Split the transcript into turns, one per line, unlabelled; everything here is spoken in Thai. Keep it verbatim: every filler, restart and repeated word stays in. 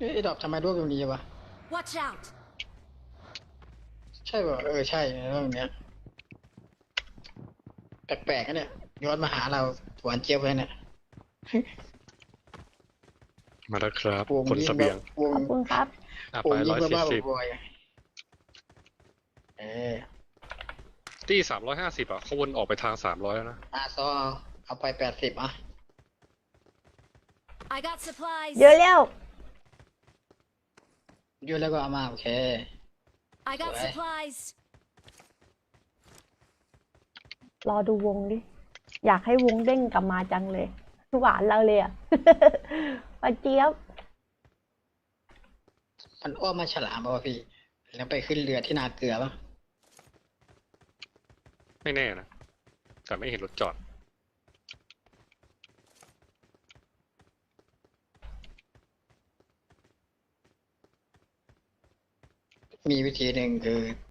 ไอ้ดอกทำไมร่วงตรงนี้วะ
Watch out!
ใช่ป่ะเออใช่ร่วงตรงเนี้ยแปลกๆนะเนี่ยย้อนมาหาเราหวานเจี๊ยบเลยเนี่ย
มาแล้วครับ
วง
ขน
ยิ
เส
งแบ
บีย
บ
ง
วง
ขอบคุณครับ
อ่ะ
ว
ไป
งยิ
ร้
ง
อยสี่
บ้า
สิบ
ๆบอยๆเออ
ที่สามร้อยห้าสิบอ่ะเขาวนออกไปทางสามร้อยแล้วนะ
อาซอเอาไปแปดสิบอ่ะ
I got supplies.
เยอะแล้ว
อยุ่แล้วก็เอามาโอเค
I got
Right.
supplies.
รอดูวงดิ อยากให้วงเด้งกลับมาจังเลย หวานเราเลยอ่ะ ปาเจี๊ยบ
มันอ้อมมาฉลามป่ะพี่ แล้วไปขึ้นเรือที่นาเกลือป่ะ
ไม่แน่นะแต่ไม่เห็นรถจอด
มีวิธีหนึ่งคือ